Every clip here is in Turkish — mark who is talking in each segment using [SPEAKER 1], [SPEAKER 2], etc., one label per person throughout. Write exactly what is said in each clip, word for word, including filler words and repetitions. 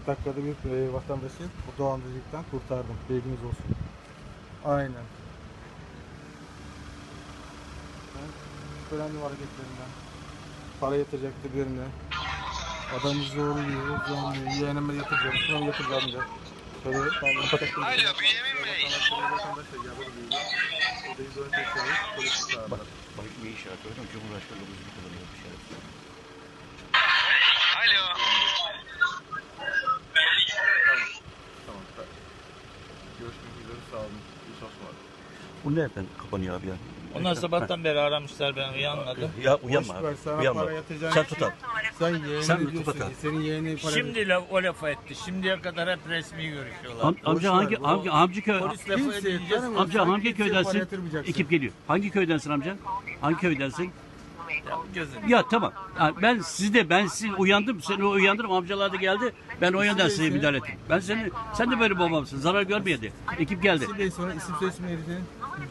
[SPEAKER 1] kırk dakikada bir e, vatandaşı bu dolandırıcılıktan kurtardım. Bilginiz olsun. Aynen. Ben şüphelendim hareketlerinden. Para yatıracaktı birine. Adamı zorluyor, zorluyor. Yeğenime yatıracağım, şuna mı yatıracağım diye. Şöyle tamam, patakladım.
[SPEAKER 2] Alo Bünyamin Bey.
[SPEAKER 3] Bak, bak ne işaret gördün mü? Cumhurbaşkanı dokuzunu kullanıyor bir işaret.
[SPEAKER 2] Alo.
[SPEAKER 4] Tamam, tamam. Görüşmek üzere, sağ olun. İyi çalışmalar.
[SPEAKER 3] Bu nereden kapanıyor abi ya?
[SPEAKER 5] Onlar sabahtan beri aramışlar, ben uyanmadım.
[SPEAKER 3] Ya uyanma
[SPEAKER 1] Boş ver,
[SPEAKER 3] abi.
[SPEAKER 1] sana
[SPEAKER 3] Uyanma.
[SPEAKER 1] para yatacağım.
[SPEAKER 3] Sen tut abi.
[SPEAKER 1] Sen yeğeni
[SPEAKER 3] Sen
[SPEAKER 1] diyorsun.
[SPEAKER 3] tut bakalım.
[SPEAKER 1] Senin yeğeni para...
[SPEAKER 5] Şimdi la, o lafa etti. Şimdiye kadar hep resmi görüşüyorlar.
[SPEAKER 3] Am, amca
[SPEAKER 1] Boş ver,
[SPEAKER 3] hangi
[SPEAKER 1] bu-
[SPEAKER 3] hangi amca köy?
[SPEAKER 5] Polis lafı
[SPEAKER 1] Kimse
[SPEAKER 5] edince
[SPEAKER 1] tanımıyor.
[SPEAKER 3] Amca
[SPEAKER 1] Sen
[SPEAKER 3] hangi
[SPEAKER 1] kimseye para
[SPEAKER 3] köydensin?
[SPEAKER 1] yatırmayacaksın.
[SPEAKER 3] Ekip geliyor. Hangi köydensin amca? Hangi köydensin?
[SPEAKER 5] gözün.
[SPEAKER 3] Ya tamam. Ha, ben sizi de ben sizi uyandım. Seni uyandım. Amcalar da geldi. Ben o yönden size müdahale ettim. Ben seni sen de böyle babamsın. Zarar görmeyedi. Ekip geldi.
[SPEAKER 1] İsim değil, sonra isim soyisim neydi senin?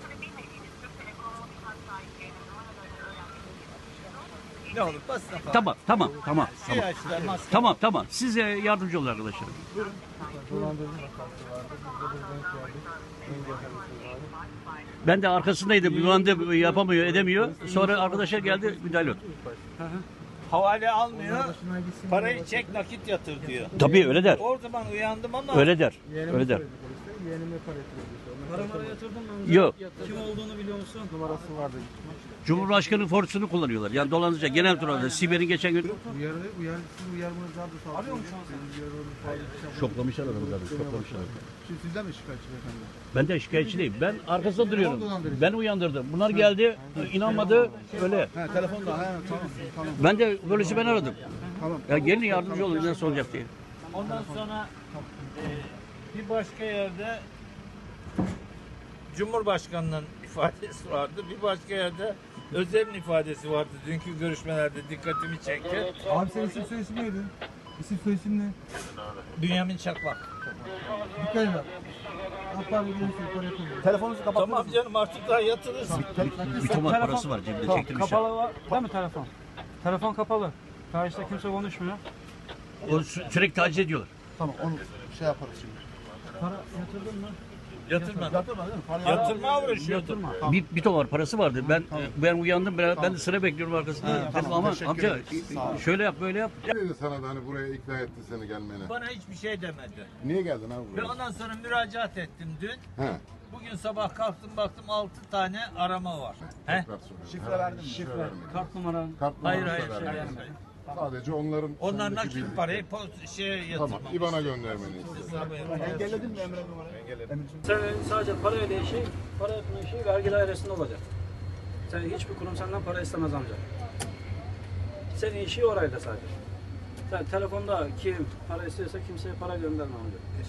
[SPEAKER 5] Ne olur basına falan.
[SPEAKER 3] Tamam tamam tamam
[SPEAKER 5] Şey
[SPEAKER 3] tamam.
[SPEAKER 5] açtılar, maske.
[SPEAKER 3] Tamam tamam. Size yardımcı olun arkadaşlar.
[SPEAKER 1] Dolandırıcı vakası vardı. Burada bir denk geldik. Engel hareketi vardı.
[SPEAKER 3] Ben de arkasındaydım. Uyandı, yapamıyor, edemiyor. Sonra arkadaşlar geldi, müdahale oldu.
[SPEAKER 5] Havale almıyor.
[SPEAKER 1] Başına gitsin.
[SPEAKER 5] Parayı çek nakit yatır diyor.
[SPEAKER 3] Tabii öyle der.
[SPEAKER 5] O zaman uyandım ama
[SPEAKER 3] Öyle der.
[SPEAKER 1] Yeğenime
[SPEAKER 3] Öyle der.
[SPEAKER 1] söyledi polise. Yeğenime para yatırıyor.
[SPEAKER 6] Para para yatırdın mı? amca?
[SPEAKER 3] Yok.
[SPEAKER 6] Kim olduğunu biliyor musun?
[SPEAKER 1] Numarası vardı.
[SPEAKER 3] Cumhurbaşkanı forsunu kullanıyorlar. Yani dolandırıcı genel turlarda. Siber'in geçen gün
[SPEAKER 1] Uyarı, uyarı, siz uyarmanız vardı. Arıyor mu şu an?
[SPEAKER 3] şoklamışlar adamı zaten. Şoklamışlar.
[SPEAKER 1] Şimdi sizden mi şikayetçi beyefendi?
[SPEAKER 3] Ben de şikayetçi değilim. Ben arkasında duruyorum.
[SPEAKER 1] dolandırıcı.
[SPEAKER 3] Ben uyandırdım. Bunlar geldi, inanmadı. Öyle.
[SPEAKER 1] Ha telefonda. Ha tamam. Tamam.
[SPEAKER 3] Ben de polisi ben aradım.
[SPEAKER 1] Tamam.
[SPEAKER 3] Ya gelin yardımcı olun nasıl olacak diye.
[SPEAKER 5] ondan sonra e, bir başka yerde Cumhurbaşkanı'nın ifadesi vardı. Bir başka yerde Özer'in ifadesi vardı. Dünkü görüşmelerde dikkatimi çekti.
[SPEAKER 1] Abi senin isim soyisim neydi? İsim soyisim ne?
[SPEAKER 5] Bünyamin Çakmak.
[SPEAKER 1] Dikkat edin. Hatta bir görüyorsun. Para yatırıyor.
[SPEAKER 4] Telefonunuzu kapattınız
[SPEAKER 5] Tamam
[SPEAKER 4] mı?
[SPEAKER 5] canım artık daha yatırırsın.
[SPEAKER 3] Bir tomar parası var cebinde
[SPEAKER 6] Tamam,
[SPEAKER 3] çektirmişler.
[SPEAKER 6] kapalı var. Değil mi telefon? Telefon kapalı. Karşıda kimse konuşmuyor.
[SPEAKER 3] O sü- sürekli taciz ediyorlar.
[SPEAKER 1] Tamam onu şey yaparız şimdi.
[SPEAKER 6] Para yatırdın mı?
[SPEAKER 5] Yatırma.
[SPEAKER 1] Yatırma değil mi? Para
[SPEAKER 5] Yatırma uğraşıyordum.
[SPEAKER 3] Bir, bir tomar parası vardı. Ben ben uyandım. Ben, ben de sıra bekliyorum arkasında. Dedim aman amca şöyle yap böyle yap.
[SPEAKER 7] Ne dedi sana da hani buraya ikna etti seni gelmene?
[SPEAKER 5] Bana hiçbir şey demedi.
[SPEAKER 7] Niye geldin abi
[SPEAKER 5] Ve
[SPEAKER 7] buraya?
[SPEAKER 5] ondan sonra müracaat ettim dün.
[SPEAKER 7] He.
[SPEAKER 5] Bugün sabah kalktım baktım altı tane arama var. He?
[SPEAKER 7] Tekrar söyle.
[SPEAKER 1] Şifre verdim.
[SPEAKER 7] Şifre vermedim.
[SPEAKER 6] Kart numaran.
[SPEAKER 7] Kart
[SPEAKER 5] Hayır
[SPEAKER 7] numarası
[SPEAKER 5] hayır.
[SPEAKER 7] da
[SPEAKER 5] Şey
[SPEAKER 7] vermedim.
[SPEAKER 5] vermedim.
[SPEAKER 7] Sadece onların
[SPEAKER 5] Onlar
[SPEAKER 7] sendeki
[SPEAKER 5] nakit
[SPEAKER 7] bildikleri.
[SPEAKER 5] parayı post şeye yatırmam.
[SPEAKER 7] Tamam. İBAN'a göndermeni istedim.
[SPEAKER 5] Hesaba yatırmam.
[SPEAKER 1] Engelledin mi Emre numarayı?
[SPEAKER 6] Sen sadece para ödeyişi, para yapma işi vergi dairesinde olacak. Sen hiçbir kurum senden para istemez amca. Senin işi orayda sadece. Sen telefonda kim para istiyorsa kimseye para gönderme amca.